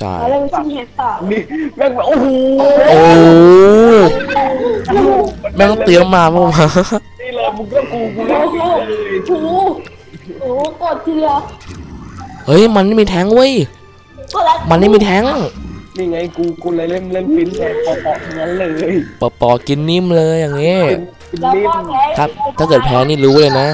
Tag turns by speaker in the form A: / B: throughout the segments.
A: ช่
B: เราเล่นชิงแฮกต่อ
C: นี่แม่งโอ้โห
A: โอ้แม่งเตรียมมาเมื่อวาน
C: นี่เลยมึงก็กูเล่นเลย
B: ถูโอ้กดทีเดียว
A: เฮ้ยมันไม่มีแทงเว้ย
B: กดแล้ว
A: มันไม่มีแทง
C: นี่ไงกูเลยเล่นฟินแต่ปอกๆทั้งนั้นเลย
A: ปอกินนิ่มเลยอย่างงี้
C: ฟิน
B: แล้ว
C: นิ่
B: ก็
C: ม
B: แพ้
A: ครับถ้าเกิดแพ้นี่รู้เลยนะ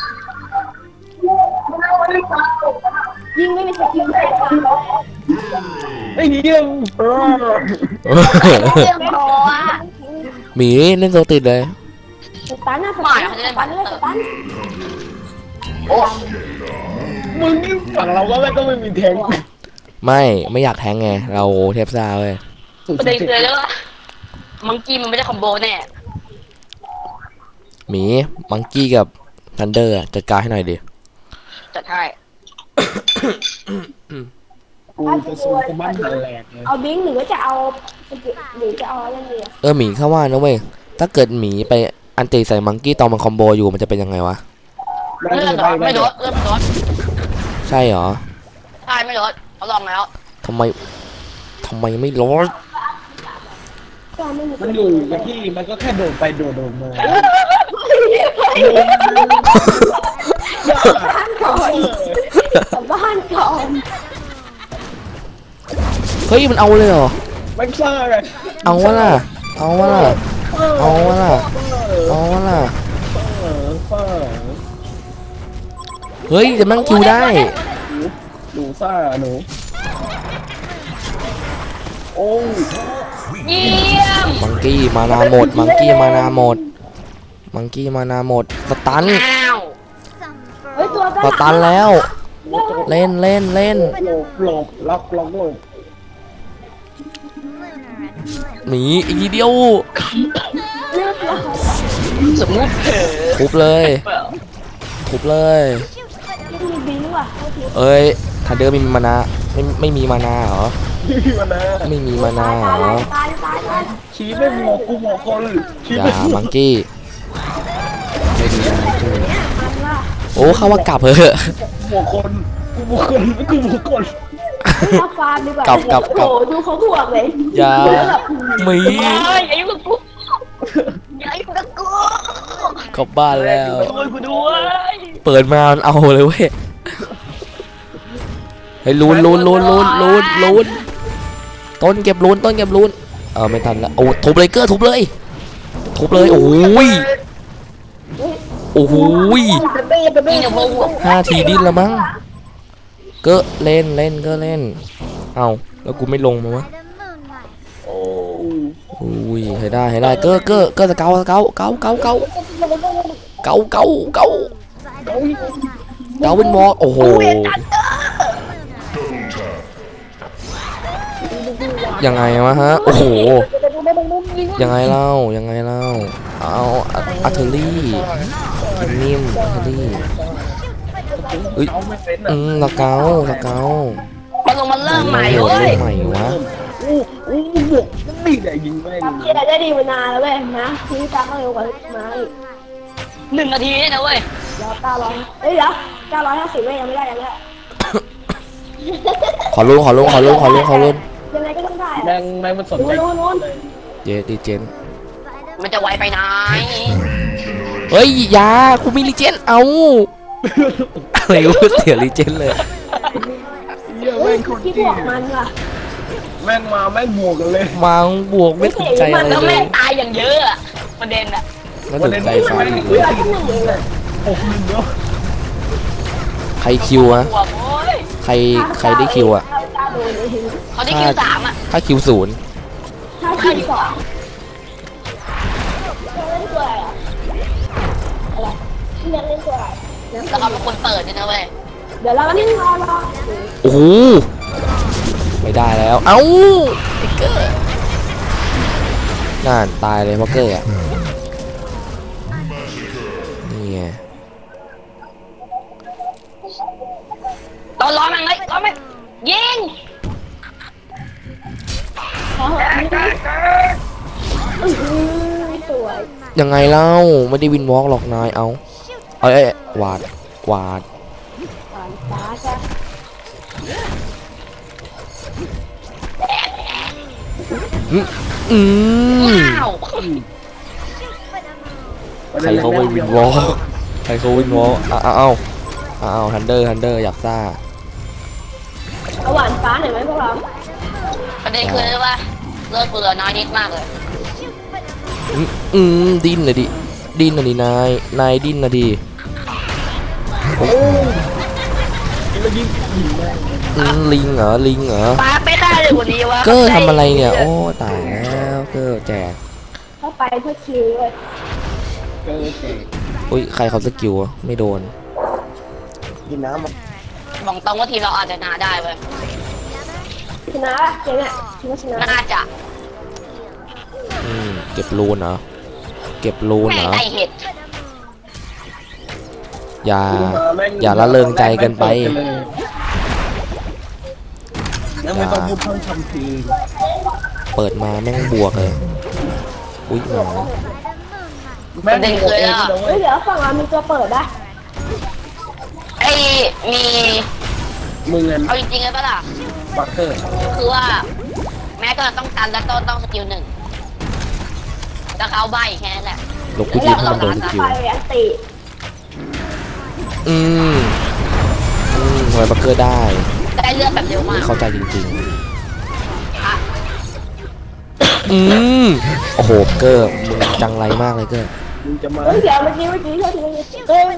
B: ยิงไม่มีสกิลแพ้ค่ะ
C: ไอ้เหี้ย
B: เรื่องพออ่ะ
A: หมีเล่นโซติดเลย
B: สตันนะสตันสตันเลยสตัน
C: โอ้มึงนี่ฝั่งเราก็ไม่มีแทง
A: ไม่อยากแทงไงเราเทพซ่าเว้ย
D: ประเด็นคืออะไรรู้ป่ะมังกี้มันไม่ได้คอมโบแน่
A: หมีมังกี้กับทันเดอร์จัดการให้หน่อยดิ
D: จัดให้
C: กูจะสู้กูมั่นแหลกเลย
B: เอาบิงหรือว่าจะเอาหรือจะเอาอะไรดี
A: หมีเข้าว่านะเว้ยถ้าเกิดหมีไปอันติใส่มังกี้ตอนมันคอมโบอยู่มันจะเป็นยังไงวะ
D: เลื่อนเหรอไม่ลดเลื่อนไม่ลด
A: ใช่เหรอ
D: ใช่ไม่ลดเขาลองแล้ว
A: ทำไมไม่ลด
B: ก็ไม่มี
C: มันอยู่กับที่มันก็แค่โดดไปโดดมา
B: บ้านก่อนบ้านก่อน
A: เฮ้ยมันเอาเลยเหรอ
C: ไม่ใช่ไง
A: เอาวะล่ะเอาวะล่ะเอาวะล่ะเอาวะล่ะ
C: เออ
A: เฮ้ยจะมั่งคิวได้
C: หนูซ่าหนูโอ้ย
D: เยี่ยม
A: มังกี้มานาหมดมังกี้มานาหมดมังกี้มานาหมดสตัน
D: อ้าว
B: เฮ้ยตัว
A: สตันแล้ว เล่น
C: หลบล็อกหลบ
A: หนีอีกทีเดียว
D: สมมุติเผลอ
A: ทุบเลยทุบเลย
B: มีบิงว่ะ
A: เอ้ยทันเดอร์ไม่มีมานาไม่มีมานาเหรอ
C: พี่มานะ
A: ไม่มีมานาเหรอ
B: ตาย
C: ชี้ไม่หมอกกูหมอกคนชี้
A: อย่า
C: ไม่หม
A: มั
C: อก
A: งกี้ไม่ดีนะมังกี้
B: มันว่า
A: โอ้เข้าว่ากลับเถอะ
C: หมอกคนกูหมอกคนกูหมอกคน
B: เอาฟาร์มดีกว่า
A: กลับ
B: โอ้โหดูเขาถ่วงเลย
A: อย่าหมี
D: เฮ้ยอย่ายุ่งกับกูอย่ายุ่งกับกู
A: กลับบ้านแล้ว
D: ช่วยกูด้วย
A: เปิดมามันเอาเลยเว้ยเฮ้ยลุ้นต้นเก็บลุ้นไม่ทันแล้วโอ้ทุบเลยเกอร์ทุบเลยโอ้ย
D: นี่เนี่ยโมโห
A: 5 ทีดิ้นแล้วมั้งเกอร์เล่นก็เล่นเอาแล้วกูไม่ลงมาวะ
C: โอ้
A: อุ้ยให้ได้เกอร์สเกาเป็นวอลโอ้โหยังไงวะฮะโอ้โหยังไงเล่าเอาอัลเทอรี่กินนิ่มอัลเทอรี่เฮ้ย
C: เอาไม่เป็น
A: สเกา
D: มันเริ่มใหม่
A: โหด
D: เว้ย
A: เล่นใหม่วะ
C: อู้บวกนี่แหละยิงแม่ง
B: เกียร์ได้ดีมานานแล้วเว้ยนะที่ตามก็เร็วกว่ามาอีก
D: 1 นาทีเนี่ยนะเว้ย
B: เดี๋ยว900เอ้ยเดี๋ยว950เว้ยยังไม่ได้
A: ขอลุ้น
B: ยังไงก็ต้องได้
C: แม่งไม่มันสนใจ
B: นู้น
A: เจดีเจน
D: มันจะไวไปไหน
A: เฮ้ยยากูมีลีเจนเอาอะไรวะเสียลีเจนเลย
C: เหี้ยแม่งคน
B: ที่บ
C: จี้
B: วกมันว่ะ
C: แม่งมาแม่งบวกกันเลย
A: มาบวกไม่สนใจอะไร
D: แล้ว
A: เล
D: แม่
A: ย
D: งตายอย่างเยอะอะประเด็นอะ
A: ไม่สนใจฟ้าอีกเล
B: เฮ้ย
A: ย
B: เราที่1เองอะ
C: โอ้โหเดี๋ยว
A: ใครคิวอะ
D: หัวโว้ย
A: ใครได้คิวอะ
D: เขาได้คิว3อะ
A: ถ้าคิว0
B: ถ้าคิว2เล่นตัวอะไรอ่ะอะไรที่เล่นตัวอะไร
D: แล้วเขาเป็นคนเปิดด้วยนะเว้ย
B: เดี๋ยวเราก็นิ่งรอ
A: โอ้โหไม่ได้แล้วเอ้าติ๊กเกอร์นั่นตายเลยพ็อกเกอร์อะนี่ไง
D: ตอนร้อนมันเลยร้อนมันยิง
B: สวย
A: ยังไงเล่าไม่ได้วินวอล์กหรอกนายเอาเอ้ยวาด
B: หวานฟ้าใช่
A: อืม
D: ว้าว
A: ใครเขาไปวินวอล์กใครเขาวินวอล์กเอาฮันเดอร์อยากซ่า
B: เอาหวานฟ้าหน่อยไหมพวกเรา
D: ประเด็นคือว่าเลือดกูเหลือน้อยนิดมากเลย
A: ดิ้นเลยดิดิ้นนะดินายดิ้นนะดิ
C: โอ้แล้วยิงแม่ง
A: ลิงเหรอ
D: ปาไม่ได้เลยวันนี้วะ
A: เกอร์ทำอะไรเนี่ยโอ้ตายแล้วเกอร์แจก
B: เข้าไปเพื่อคิวเลย
C: เจอเจ๊
A: อุ้ยใครเขาสกิลวะไม่โดน
C: กินน้ำมา
D: บอกตรงว่าทีมเราอาจจะชนะได้เว้ย
B: ชนะป่ะเจ๊เนี่ยคิดว่าชนะ
D: น่าจะ
A: เก็บรูนเหรอเก็บรูน
D: แม่
A: เหรอ
D: ได้เห็ด
A: อย่าละเริงใจเกินไป
C: แล้วไม่ต้องพูดเพิ่มคำพี
A: เปิดมาแม่งบวกเลยอุ้ยหมา
C: แม่งโอเองนะเว้
B: เฮ้
C: ย
B: ยเดี๋ยวฝั่งเรามีตัวเปิดนะ
D: ไอ้มี
C: มึงเงิน
D: เอาจริงๆเลยปะล่ะ
C: บัคเกอร์
D: คือว่า แม้ก็ต้องการและต้องสกิลหนึ่งแล้วเขาใบแค่นั้นแหละ
A: ลบกูยิงให้มันโดนสกิล
B: ไปอันติ
A: ทำไมบัคเกอร์ได้
D: ได้เลือดแบบเร็วมาก
A: เข้าใจจริงๆโอ้โหเกอร์มึงจังไรมากเลยเกอร์
C: มึงจะมา
B: เฮ้ยเดี๋ยวเมื่อกี้เท่าที่เฮ้ย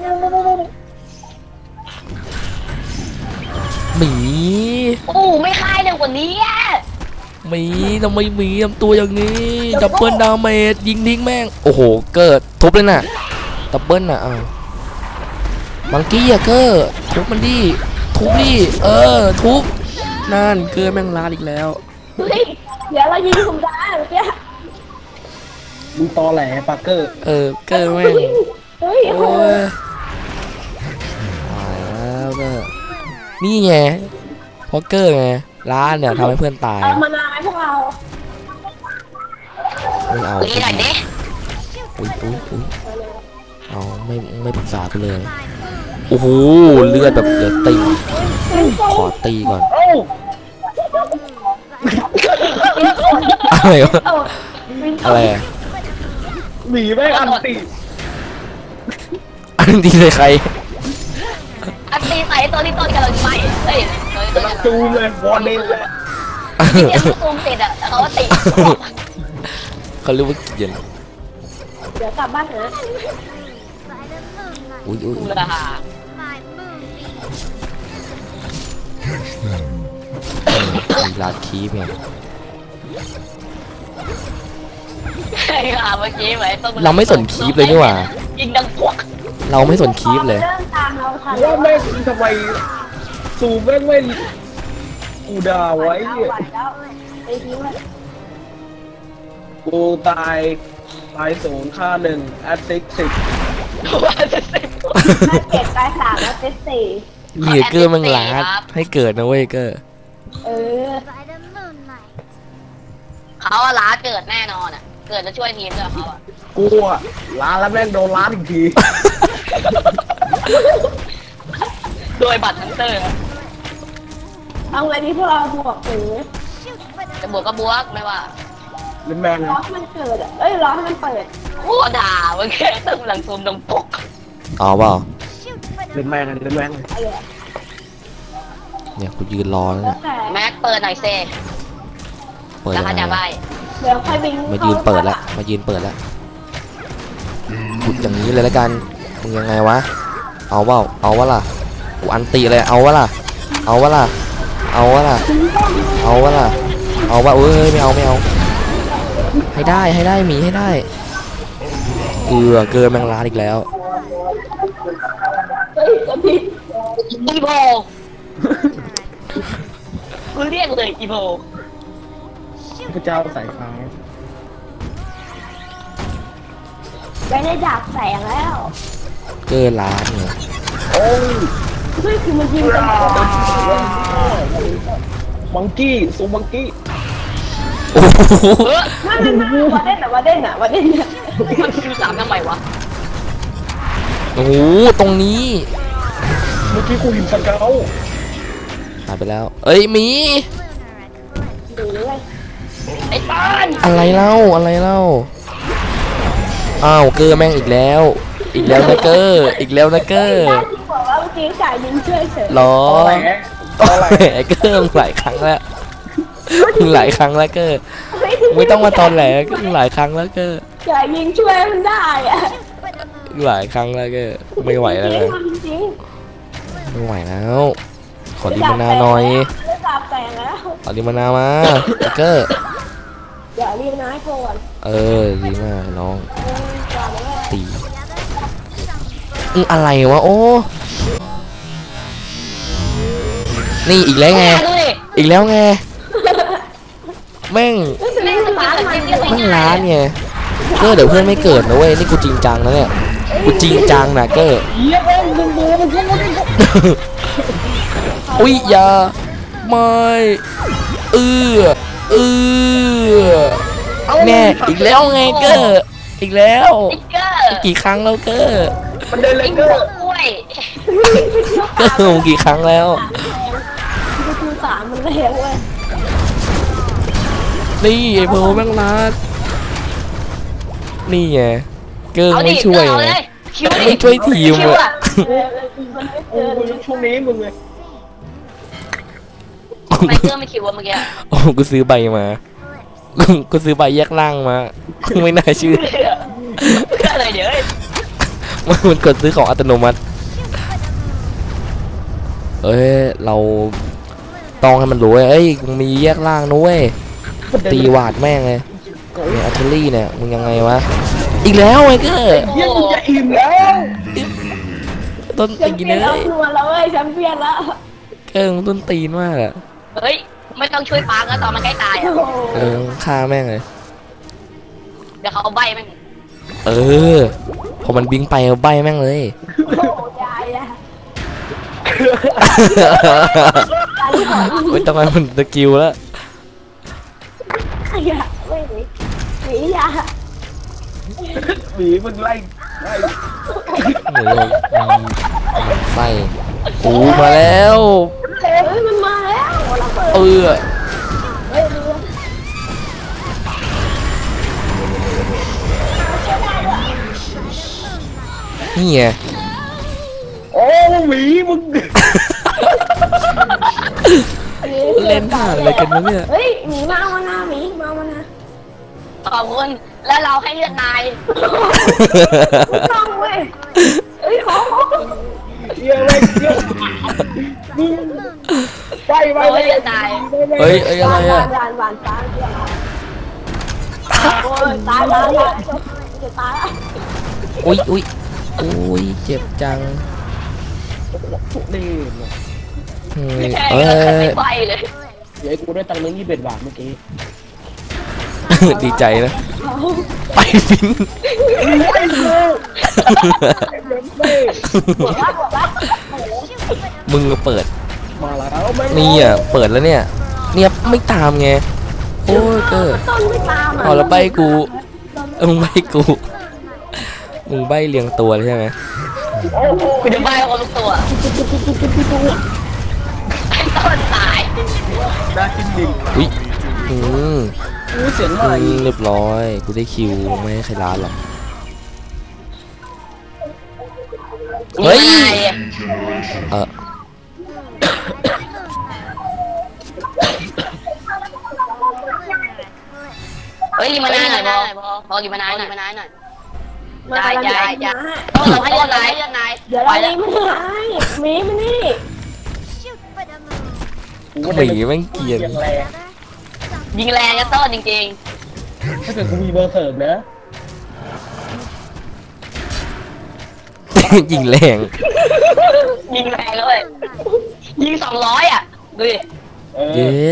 A: หมี
D: โอ้ไม่คายเร็วกว่านี้อะ
A: หมีทำไมหมีทำตัวอย่างนี้ดับเบิลดาเมจยิงทิ้งแม่งโอ้โหเกอร์ทุบเลยน่ะดับเบิลน่ะมังกี้อะเกอร์ทุบมันดิทุบดิทุบนั่นเกอร์แม่งลาดอีกแล้ว
B: เฮ้ยเดี๋ยวเรายิงผมได้เมื่อกี้
C: มึงตอแหลบัคเกอร์
A: เกอร์แม่ง
B: เฮ้ย
A: โอ้ยตายแล้วเกอร์นี่ไงเพราะเกอร์ไงร้านเนี่ยทำให้เพื่อนตาย
B: เอามานานไหมพวกเรา
A: ไม่เอา
D: นี่หน่อยดิ
A: อุ้ยเอาไม่ปรึกษากูเลยโอ้โหเลือดแบบเหลือติ่งขอตีก่อน
C: โอ้
A: อะไรวะ
B: เอาวิน
A: อะไรอะ
C: หมีแม่งอันติ
A: อันนี้ใส่ใคร
D: อันตีใส่ตัวที่ต้นกำลังใบเฮ้ยตัวนี้
C: จูมเลยวอร์เดนเลย
D: ที่เดียวซูมติดอ่ะแล้วเขาก็ติด
A: เขาเรียกว่าเกียน
B: เดี๋ยวกลับบ้านนะ
A: อุ้ย
D: ราคา
A: ลาดคีบไง
D: ไอ้ห่าเมื่อกี้ไหมต้อง
A: เราไม่สนคีบเลยนี่หว่า
D: ยิงดังพวก
A: เราไม่สนคีบเลย
B: เริ่มตามเราทัน
C: ว่าแม่งทำไมซูมแม่งไม่กูด่าไว้
B: ไหว
C: เนี่ย
B: แล้วไปทิ้งเลย
C: กูตาย0ค่า1แอดซิก10
D: ว่าจะเสร็จ
B: ถ้าเก็บตาย3แล้วเซต4
A: มีเกอร์แม่งลาดให้เกิดนะเว้ยเกอร์
B: เออ
D: เขาอะล้าเกิดแน่นอนอ่ะ เกิดจะช่วยทีมด้วยเขาอ่ะ
C: กูอะล้านแล้วแม่งโดนล้านอีกที
D: โดยบัตรทันเตอร์
B: เอาไงดีพวกเราบวกหรือ
D: จะบวกก็บวกไม่ว่า
C: เล่นแม่ง
B: รอให้มันเกิดอ่ะเอ้ยรอให้มันเปิด
D: โอ้ด่าเมื่อกี้ตึ้งหลังซูมดังปก
A: เอาเปล่า
C: เล่นแม่งเล่นแม่ง
B: อะไรอ่ะ
A: เนี่ยกูยืนรอแล้ว
B: แล้
A: เนี่
B: วย แต่
D: แม็กเปิดหน่อยเซ่
A: เปิด
D: แล้ว
A: ยัง
D: เขาจะ
A: ไง
D: ใบ
B: เดี๋ยวค่อยบิน
A: มายืนเปิดละมายืนเปิดละขุดอย่างนี้เลยละกันมึงยังไงวะเอาเปล่าเอาวะล่ะกูอันตีเลยเอาวะล่ะเอาวะล่ะเอาวะล่ะเอาวะล่ะเอาวะเอ้ยไม่เอาให้ได้หมีให้ได้เกินแมงลาดอีกแล้ว
B: เฮ้ยจะผิด
D: อีโบกูเรียกเลยอีโบ
C: พระเจ้าสายฟ้า
B: ไม่ได้ดับแสงแล้ว
A: เกินล้านเนี่ย
C: โอ้ย
B: เฮ้ยคือมันยิงกัน
C: มังกี้ซูมังกี้
A: โอ้โห
B: ไม่วาเด่นอะวาเด่นอะ
D: มันคือสามทำไมวะ
A: โอ้โหตรงนี้
C: เมื่อกี้กูเห็นสเกล
A: หายไปแล้วเอ้ยหมี
B: ดูเลย
D: ไอ้
A: อะไรเล่าอะไรเล่าอ้าวเกอร์แม่งอีกแล้วนะเกอร์อีกแล้วนะเกอร์
B: ได้ที่บอกว่าเมื่อกี้จ่ายยิงช่วยเฉย
A: ล้อ
C: อะไร
A: เกอร์มึงหลายครั้งแล้วมึงหลายครั้งแล้วเกอร์ไม่ต้องมาตอนแหลก็มึงหลายครั้งแล้วเกอร์
B: จ่ายยิงช่วยมันได้อะ
A: หลายครั้งแล้วเกอร์ไม่ไหวแล้วเลย
B: จริง
A: ไม่ไหวแล้วขอลิมานาหน่อย
B: ระดับแตกแล้ว
A: ขอลิมานามาเกอร์
B: อย่ารีบนะให้ก่อน
A: ดีมากน้อง
B: ก่อนเลย
A: ตีอะไรวะโอ้นี่อีกแล้วไง
D: ดูดิ
A: อีกแล้วไงแม่ง
D: แม่งสปาร์คมันเยอะ
A: แม่งล้านไงเกอร์เดี๋ยวเพื่อนไม่เกิดนะเว้ยนี่กูจริงจังนะเนี่ยกูจริงจังนะเกอร์
C: เยี่ยมมึงดูมันก็ไม่ได้
A: อุ้ยอย่าไม่เออแน่อีกแล้วไงเกอร์อีกแล้ว
D: ติ๊กเกอร์
A: กี่ครั้งแล้วเกอร์
C: มันเดินเล
D: ติ๊
C: ย
D: ก
C: เก
D: เก
C: อ
D: อ
C: ร์
D: ร์กล้วย
A: เกอร์มึงกี่ครั้งแล้ว
B: คือคือสามมันเลยเว้ย
A: นี่ไอ้โพแม่งรัดนี่ไงเกอร์
D: เอา
A: ไม่
D: ดิ
A: ช่วย
D: เอา
A: ไง
D: เลยคิวดิ
A: ไม่ช่วยทีม
D: คิว
A: อะ
D: อะ
B: มันไม่
C: โอ้
B: เกิน
C: ยช่วงนี้มึงเลย
D: ทำไมเกอร์ไม่คิววะเมื่อกี้
A: โอ้กูซื้อใบมากูซื้อใบแยกล่างมาไม่น่าเชื่อ
D: เกอร์อะไรเดี๋ยวเอ้ย
A: มันกดซื้อของอัตโนมัติเอ้ยเราต้องให้มันรู้เอ้ยมึงมีแยกล่างนะเว้ยตีวาดแม่งเลยเนี่ยอัลเทอรี่เนี่ยมึงยังไงวะอีกแล้วไอ้เกอร์
C: เยี่ยมจะอิ่มแล้ว
A: ต้น
B: แชม
A: ตีน
B: เปี้ยน
A: เล
B: เอา
A: ย
B: ตัวแล้วเว้ยแชมเปี้ยนแล้ว
A: เกอร์มึงต้นตีนมากอะ
D: เฮ้ยไม่ต้องช่วยปาร์คแล้วตอนมันใกล้ตาย
B: โอ้
D: อ่ะ
B: โห
A: ฆ่าแม่งเลย
D: เดี๋ยวเขาเอาใบแม่ง
A: พอมันบิงไปเอาใบแม่งเลย
B: ยายอะ
A: ไม่ต้องให้มันสกิลแล้ว
B: ไอ้ยะไม่หนีหนียา
C: หมีมึงไล่
A: โอ้ยไส้กูมาแล้ว
B: เฮ้ยมันมาแล้วเราเปิด
A: เฮ้ย
B: เฮ้ยเรือ
A: นี่ไง
C: โอ้หมีมึง
A: เล่นห่างอะไรกันวะเนี่ย
B: เฮ้ยหมีมาเอามานะหมีมาเอามานะ
D: ขอบคุณแล้วเราให้เลือดนาย
B: ต้องเว้ยเฮ้ยขอ
C: เยี่ยมเลยเยี่ยมมึงไปไป
D: เรา
C: ไป
D: ให้เลือดนาย
A: เฮ้ยอะไร
B: หวานห
A: อะ
B: วานหวานตายโอ้ยตายแล้วจะตายแล้ว
A: อุ้ยเจ็บจัง
C: นี่
A: เฮ้ย
D: แค่
A: เอ้
D: ก็
A: ย
D: ไม่ไปเลย
C: เดี๋ยวกูได้ตังค์นึง21 บาทเมื่อกี้
A: ดีใจนะ ไปฟิน
C: ไอ้กูไอ้เบนเบ้
B: หัวละหัวละ
A: มึงเปิด
C: มาแล้วแม่ง
A: นี่อ่ะเปิดแล้วเนี่ยไม่ตามไงโอ้ยเกอร์
B: ต้นไม่ตามอ่ะ
A: เอาแล้วใบกูมึงใบกูมึงใบเรียงตัวเลยใช่ไหม
C: โอ้โห
D: กูจะใบคนทุกตัวไอ้ต้นตาย
C: ได้จริงจริง
A: อุ้ยอืม
C: กูเสียงอะไร
A: เรียบร้อยกูได้คิวไม่ให้ใครร้านหรอก เฮ้ย เออ
D: เฮ้ยรีมานาหน่อยพอรีมานาหน่อย
B: มา
D: ได้
B: กำลัง
D: ได้
B: จะ
D: เราให้เลือดนาย
B: เดี๋ยวเราลีไม่ให้มีมานี่
A: หมีแม่งเกรียน
C: เสียงแรง
D: ยิงแรงกันต้นจริง
C: ถ้าเกิดกูมีเบอร์เสิร์ฟนะ
A: ยิงแรง
D: ๆยิงแรงเลยยิง200อ่ะดูดิ
A: เย็ด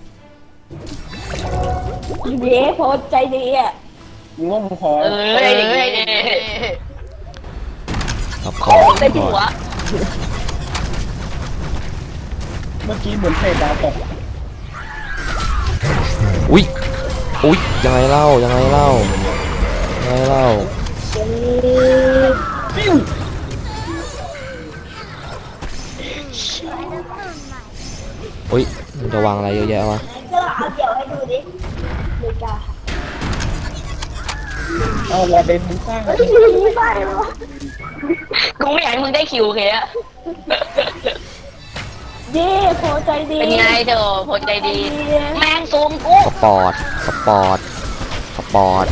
B: เย้โพสใจดีอ่ะ
C: มึงว่ามึงพอ
A: ขับคอ
D: ได้หัว
C: เมื่อกี้เหมือนเศษดาวตก
A: อุ้ยยังไงเล่า
C: ปิ้ว
A: อุ้ยมันจะวางอะไรเยอะแยะวะ
B: ก็เอาเดี๋ยวให้ดูดิไม่กล้า
C: เอาวอร์เดนมึงสร้างอะไร
B: ไม่ได้หรอ
D: กูไม่อยากให้มึงได้คิวเคอะ
B: เย่พอใจดี
D: เป็นไงเธอพอใจดี แมงซูมกู
A: สปอร์ตสปอร์ตสปอร์ต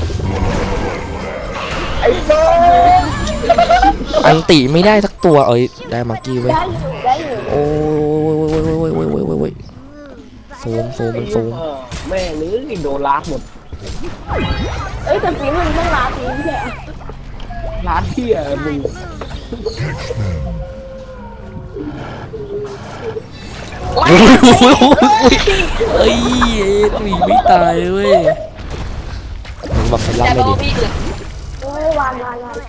C: ไอ้บ้า
A: อันติไม่ได้สักตัวเอ้ยได้มากี้เว้ย
B: ได้อยู่ได้อยู่
A: โอ้ยซูมมันซูม
C: แม่หรือโดนลากหมด
B: เอ้ยแต่ปีมันต้องลาปีแค่
C: ร้านที่มึง
D: ว้า
A: เอ้ยหนีไม่ตายเว้ยมึงบอกให้
D: แต่
A: รับ
D: โบ
A: ไม่ดิ
D: พี่อื่น
B: โอ้ยวาง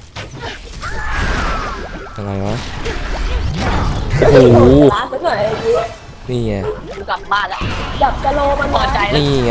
A: ยังไงวะโอ้โห
B: ลาสักหน่อยอย่างนี้
A: นี่ไง
D: กูกลับบ้านแล้ว
B: จับกะโลมัน
D: พอใจแล้ว
A: นี่ไง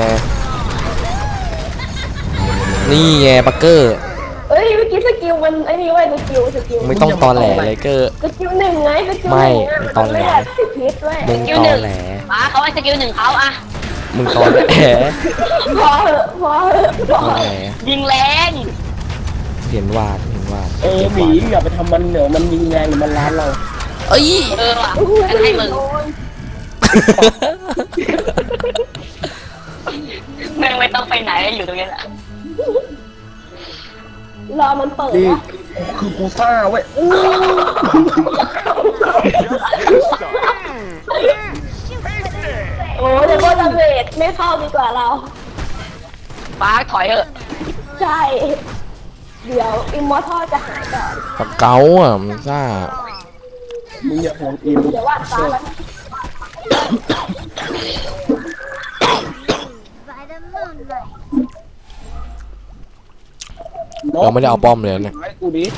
A: นี่ไงปักเกอร์
B: เอ้ยเมื่อกี้สกิลมันไอ้นี่เว้ยสกิล
A: ไม่ต้องตอนแหลเลยเกอร์
B: สกิลหนึ่งไงสกิล
A: ไม่
B: หนึ่ง
A: ตอนแหล
B: ไม่ได้ติดพิษด้วย
A: มึงตอนแหล
D: ป้าเขาให้สกิลหนึ่งเขาอะ
A: มึงตอนแหล
B: พอเหอะพอเหอะพ
A: ต
B: อ
A: อน
B: เห
A: แหล
B: อะ
D: ยิงแรง
A: เห็นวาด
C: หมีอย่าไปทำมันเหนือมันยิงแรงหรือมันล้านเรา
A: เอ้ย
D: เออว่ะงั้นให้มึง
B: โดน
D: แม่งไม่ต้องไปไหนอยู่ตรงนี้แหละ
B: รอมันเปิด
C: นี่
B: นะ
C: คือกูซ่าเว้ย
B: โอ้เดี๋ยวโบดาเวทไม่เข้าดีกว่าเรา
D: ป้าถอยเถอะ
B: ใช่ เดี๋ยวอิมมอร์ทัลจะหายก่อน
A: ปากเก๋าอ่ะมึงซ่า
C: มึงอย่าห่วงอิม
B: เดี๋ยววาดฟ้าแล้ว
E: by the moonlight.
A: เราไม่ได้เอาป้อมเลยเนี่ย
C: ไว้กูดิ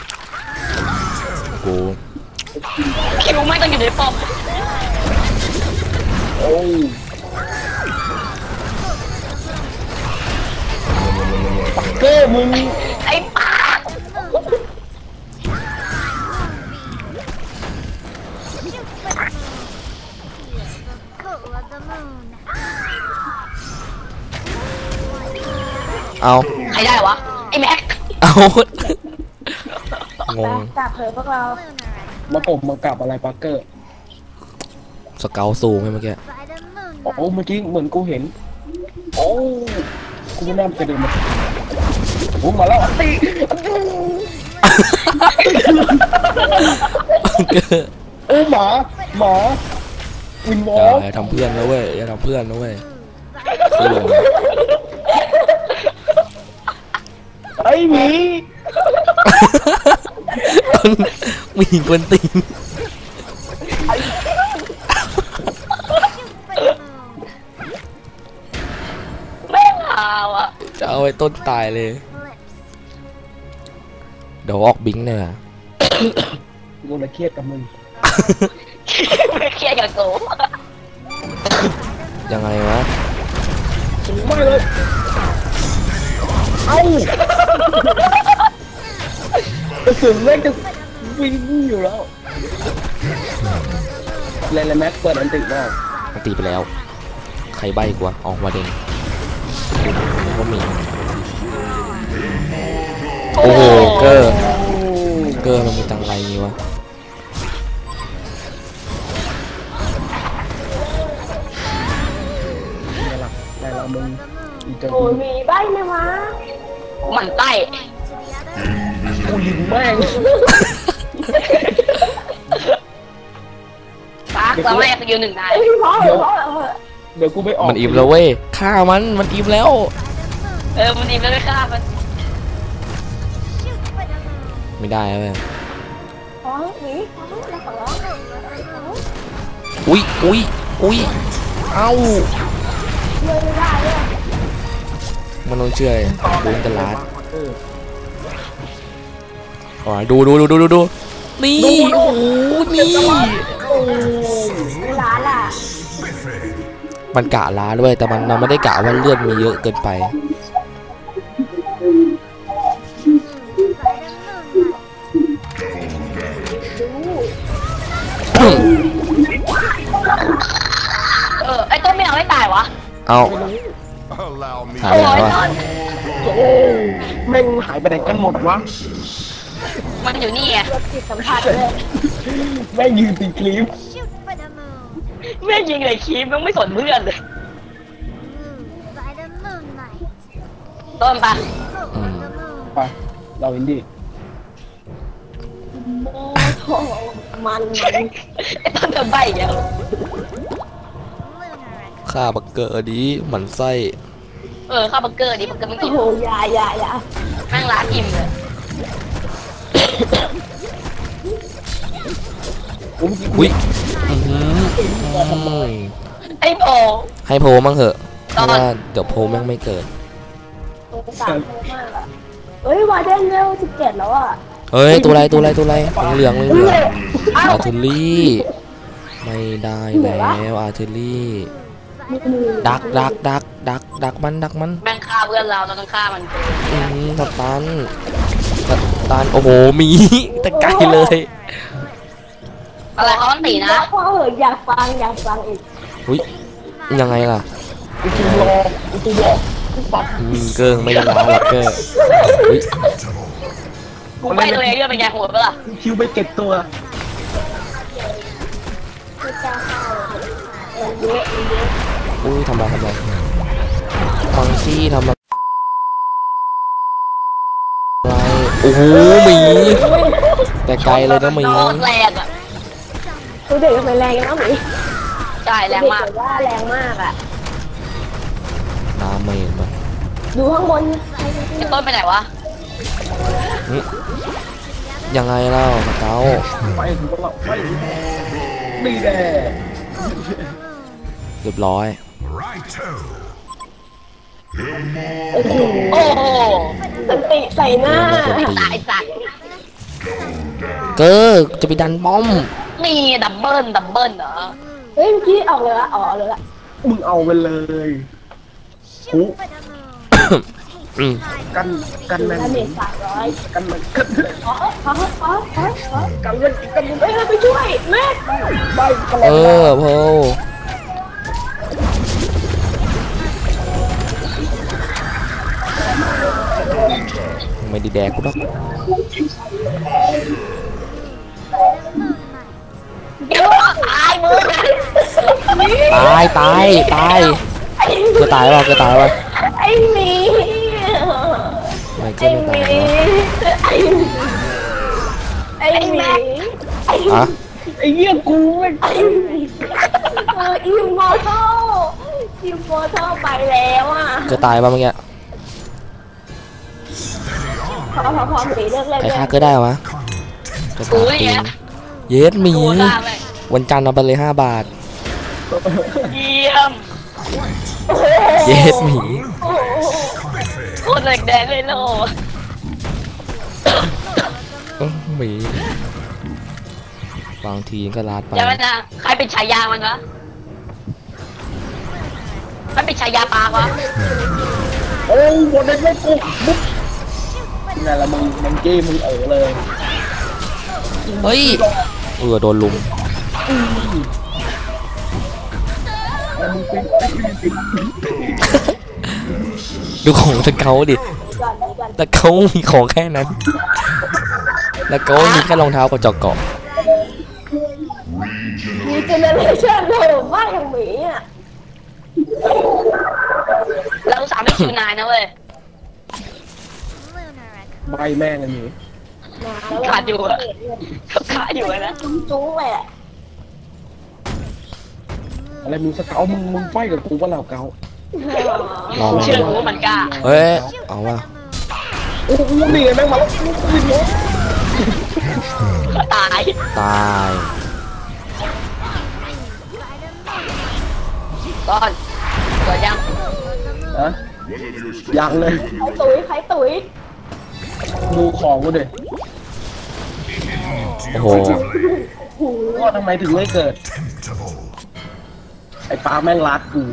A: กู
D: คิวไม่ต้องอยู่ในป้อม
C: โอ้ยปักเกอร์มึง
D: ไอ้ป้า
E: Cool of the moon.
A: เอา
D: ใครได้วะ ไอ้แม็ก
A: เอางง
B: กลับเถอะพวกเรา
C: มาผมมากลับอะไรปักเกอร์
A: สเกลซูมให้เมื่อกี้
E: By the
C: โอ้
E: moonlight.
C: เมื่อกี้เหมือนกูเห็นโอ้กูไม่น่าจะเดินมาโอ้มาแล้วตี โอ้หมาวินวอ
A: อย่า
C: ล์ก
A: ทำเพื่อนนะเว้ยอย่าทำเพื่อนนะเว้ยเพื่อน
C: ไอ้หมี
A: มีกวนตีน
D: แม่งเอาอะ
A: จะเอาไอ้ต้นตายเลย เดี๋ยวออกบิงค์เนี่ย
C: กูเลยเครียดกับมึง
D: ไม่เครียดกับกู
A: ยังไงวะ
C: ไม่เลยเอ้ากระสุนแม่งจะวิ่งอยู่แล้วเลนแม็กเปิดอันติบ้าง
A: มันตีไปแล้ว ใครใบ้กว่าออกมาเด่นก็มี โอ้โหเกอร์มันมีตังไรงี้วะ
C: นี่หลักแต่เรามึงเจอ
B: โอ้ยมีใบไหมวะ
D: หมันไส้
C: กูยิงแม่ง
D: ป้าเราไม่ได้สกิลหนึ่งนาย
B: เอ้ยพอเหอะ
C: เดี๋ยวกูไปออก
A: มันอิ่มแล้วเว้ยฆ่ามันอิ่มแล้ว
D: เออมันดีไม่ได้ฆ่ามัน
A: ไม่ได้เว้ย
B: พอหนีพอแล้วขอร้อง
A: อุ้ยเอ้า
B: เลื่อนไม่ได้เลย
A: มันต้องเชื่อเลยดูอินเตอร์ลาด
C: เออ
A: อ๋อดูนี่โอ้โหนี่
B: เวลาล่ะ
A: มันกะล้าด้วยแต่มันไม่ได้กะว่าเลือดมีเยอะเกินไป
B: ดู
D: ไอ้ต้นไม่เอาให้ตายวะ
A: เอาหายไปไหนวะ
C: โอ้แม่งหายไปไหนกันหมดวะ
D: มันอยู่นี่ไง
B: จิตสัมผัสเลย
C: แม่งยืนตีคลิป
E: Shoot for the moon.
D: แม่งยิงเลยคีมแม่งไม่สนเพื่อนเลย
E: Move by the moonlight.
D: ต้นปะ
E: Go on the moon.
C: ไปเราอินดี้
B: โอ้โหมัน
D: ไอ้ต้นจะใบอีกแล้ว
E: Lunar X.
A: ฆ่าบักเกอร์ดีหมันไส้
D: ข้าวเบอร์เกอร์ดิเบอร์เกอร์ไม่
B: โอ้
D: กิน
B: โหอย่า
D: แม่งร้านอิ่มเลย
A: อุ้ยอื้อหืออืม
D: ไอ้โบ
A: ให้โพมั่งเหอะเพราะว่าเดี๋ยวโพแม่งไม่เกิด
B: สงสารโคมากอะเฮ้ยวาเดนเร็ว17แล้วอ่ะ
A: เฮ้ยตัวอะไรเหลืองอาร์เทอรี่ไม่ได้แล้วอาร์เทอรี่ ดักมัน
D: แม่งฆ่าเพื่อนเราต้องฆ่ามัน
A: สตันโอ้โหหมีแต่ไกลเลย
D: อะไรเขาต้องตีนะ
B: พอเหอะอยากฟังอีก
A: อุ้ยยังไงล่ะ
C: กูตูรอกูตูรอกูปัด
A: เกิงไม่ได้ล้าหรอกเกอร์อุ้ย
D: กูไปตัวเองเรื่องเป็นไงโหดปะล่ะ
C: คิวไปเก็บตัว
B: ไม่กล้าเข้ามันเยอะ
A: อุ้ยทำไรมังซี่ทำอะไรโอ้โหหมีแต่ไกลเลยนะหมี
D: โคตรแรงอ่ะ
B: ตัวเด็กทำไมแรงกันนะหมี
D: ใช่แรงมาก
B: เด็กว่าแรงมากอ่ะ
A: ดาเมจแบบ
B: ดูข้างบน
D: ไอ้ต้นไปไหนวะ
A: ยังไงเล่าเก้า
C: ไปถึงเราไปดีแน่
A: เรียบร้อย
B: โอ้โห
D: โอ้โห
B: สันติใส่หน้า
D: ตายสัตว์
A: เกอร์จะไปดันป้อม
D: นี่ดับเบิลเหรอ
B: เฮ้ยเมื่อกี้ออกเลยละเลยละ
C: มึงเอาไปเลย
E: Shoot for the moon.
A: อืม
C: กันแมน
B: ดาเมจ300
C: กันมัน
B: ขอกันมันเฮ้ยไปช่วยแม่ไปกัน
A: เออโพไม่ได้แดกกูหรอก
D: ตายมึง
A: ตายเกอตายวะ
B: ไอ้หมี
A: ไม่เกอไม่ตายวะ
B: ไอ้หมี
A: อะ
C: ไอ้เหี้ยกูไม่
B: อิมมอร์ทัลไปแล้วอ่ะ
A: เกอตายป่ะเมื่อกี้
B: พอหมีเลิกเล่น
A: ใครฆ่าเกอได้วะเกอตายตีนเย็ดหมี
D: โดนล่าไป
A: วันจันทร์เอาไปเลย5 บาท
D: เยี่ยม
A: เย็ดหมี
D: โคตรแดงเลยโล
A: หมีบางทีก็ลาดไป
D: อย่ามันนะใครเป็นฉายามันวะมันเป็นฉายาปากวะ
C: โอ้บนเด็กไม่กูบุ๊บนี่แหละมึงเกมมึงเลย
A: เฮ้ยโดนลุม
C: แล้วมึงเป็น
A: ดูของสเกลดิ
B: ก่อน
A: สเกลมีของแค่นั้นสเกลมีแค่รองเท้ากับจอกเกาะ
B: มีเจเนอเรชั่นโหดมากอย่างหมีอ่ะ
D: เราสามไม่คิวนายนะเว้ย
E: Lunar X.
C: ใบแม่งอันนี้
D: ขาดอยู่อะขาดอยู่อะนะ
B: จุ้งเลยอ่ะ
C: อะไรมึงสเกามึงไฟกับกูว่าเราเกา
A: ลอง
D: เชื่อกูว่ามันกล้า
A: เฮ้ยเอาว่ะ
C: โอ้โหนี่ไงแม่งมาแล้ว
D: ตาย
A: ตาย
D: ก้อนเกิดยัง
C: นะยังเลย
B: ใครตุ๋ย
C: ดูของกูดิ
A: โอ้โห
C: ก็ทำไมถึงไม่เกิด ไอ้ปลาแม่งรัดกู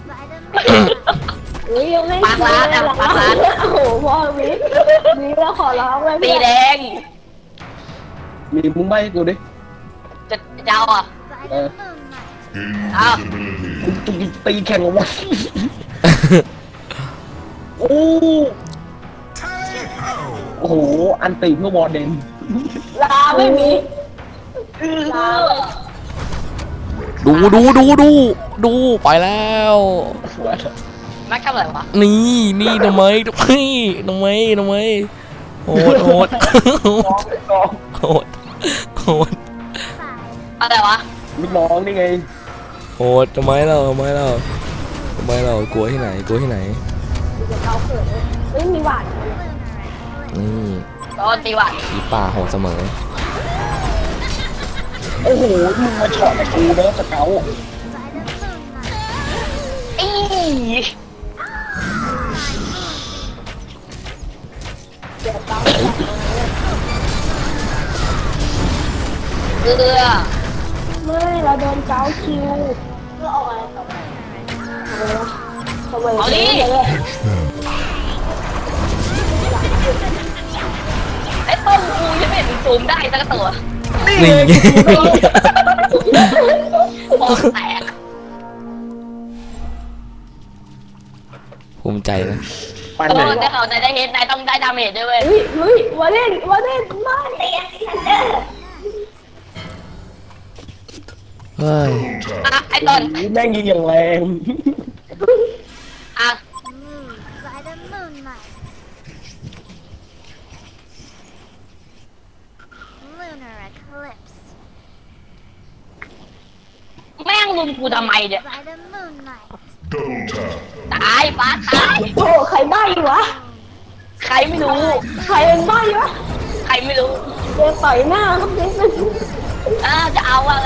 B: อุ้ยยังไม่
D: ปากร้านอะปากร้าน
B: โอ้โหพ่อวิมีแล้วขอร้องเลย
D: ตีแดง
C: มีมึงใบให้กูดิ
D: จะเจ้าอ่ะ
E: By the moonlight.
D: เอา
C: กูตีแข่งกับวะโอ้โอ้โหอันตีเพื่อวอร์เดน
B: ลาไม่มีลา
A: ดูไปแล้ว
D: แม็กทำอะไรวะ
A: นี่ทำไมโหด
C: กอง
A: โหด
D: อะไรวะ
C: ลูกน้องนี่ไง
A: โหดทำไมเรากลัวที่ไหน
B: เดี๋ยวเขาเขินเฮ้ยมีหวาน
A: นี่
D: ตอนตีวัน
A: อีป่าโหดเสมอ
C: โอ้โหมึงมาช็อตกับกูเนอะสเกล
D: อีเกลือ
B: ไม่เราโดนเกาคิวเพื่อเอาอะไรต่อไปทำไม
D: เอาดิ ไอ้ต้นกูยังไม่เห็นซูมได้สักตัว
A: นี่
D: มองแตก
A: ภูมิใจนะ
C: ปัน
D: ต
C: ไหน
D: อนได้เขาได้เฮดนายต้องได้ดาเมจด้วยเว้ย
B: เฮ้ยวาเล่นมาเล่นเด้อ
A: เฮ้ย
D: อ่ะไอ้ต้น
C: แม่งยิงอย่างแรง
D: อ่ะ
E: Move by the moonlight. Lunar eclipse.
D: แม่งลุมกูทำไมเนี่ย
E: By the moonlight.
D: ตายฟ้าตาย
B: โอ้ใครใบ้วะ
D: ใครไม่รู้
B: ใครเป็นใบ้วะ
D: ใครไม่รู้
B: เดี๋ยวต่อยหน้าครับนิดนึง
D: จะเอาอะไร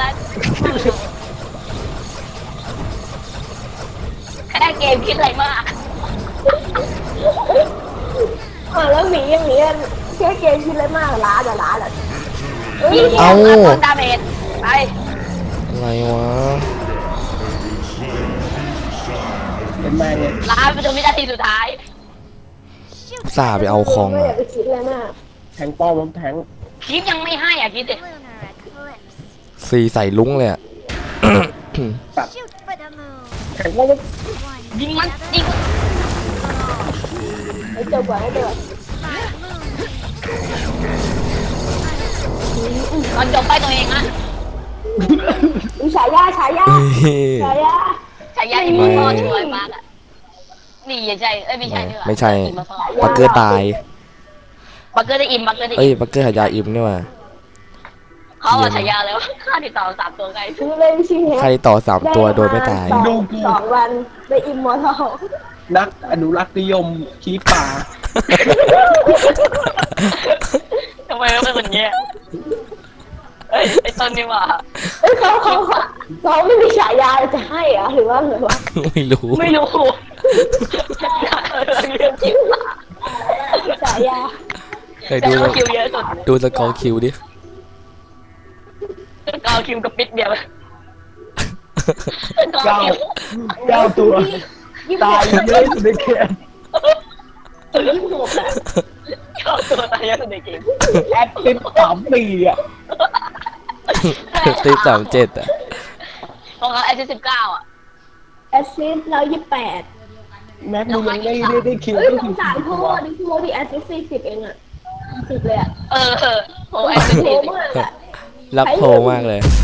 D: แค่เกมคิดอะไรมาก
B: แล้วหมีอย่างนี้แค่เกมคิดเลยมากล้าเหรอ
D: ยิง
A: เอา
D: ต้นดาเมจไป
A: อะไรวะ
C: เป็นแม่งเลย
D: ลาไปจนวินาทีสุดท้าย
A: อุตส่าห์ไปเอาคอง
B: ไม่อ
A: อะ
B: ยากไปคิดเลยมาก
C: แทงป้อมแทง
D: คิดยังไม่ให้อ่ะคิดดิ
E: Lunar eclipse.
A: ซีใส่ลุ้งเลยอะ
E: Shoot for the moon.
C: แทงป้อม
E: One
D: ยิงมันยิง
B: ให้เจอก่อนให้เจอ
D: ตอนจบไปตัวเองอะ
B: ฉายาฉายา
D: ใช้ยาอิมมอร์ทอช่วยมากอะนี่อย่าใช่ไม่ใช่ด้วย
A: ไม่ใช่ปักเกอร์ตาย
D: บักเกอร์ได้อิมบักเกอร์ได้
A: เอ้
D: อิ
A: ย
D: ม
A: ปักเกอร์หายาอิมนี่ว่ะ
D: เขาเอาฉายาแล้วค่าติดต่อ3 ตัวไง
B: ชื่อเล่นชื่อ
A: ใครต่อ3 ตัวโดยไม่ตาย
B: 2 วันได้อิมมอร์ทัล
C: นักอนุรักษ์นิยมชี้ป่า
D: ทำไมมันเป็นอย่างเงี้ยเอ้ยไอ้ต้นนี่ว่า
B: เขาไม่มีฉายาจะให้เหรอหรือว่าไงวะ
A: ไม่รู้
D: ไม่รู้เรื่องจริง
B: ฉายา
A: เฮ้ย
D: แต่
A: ดู
D: เราคิวเยอะสุด
A: ดูสกอร์คิวดิ
D: เราคิวกับปิดเดียวเรา
C: เก้า
D: คิว
C: 9 ตัว ตายเยอะสุดในเกม
B: 26อะ
D: เข้าตัวตายเยอะสุดในเกม
C: แอคติฟ3 ปีอ่ะ
A: ตี37อะ
D: ของเขา19อ่ะ
B: แอสซิสต์128
C: แม็กมึงยังได้คิว
B: เฮ้ย
C: ก็
B: ส
C: คื
B: ง
C: อ
B: สารโทษดิโทษดิแอสซิสต์40เองอะ10เลยอะ
D: โอ้แอ
B: โท
D: น
B: ษมากอะ
A: รักโทรมากเลย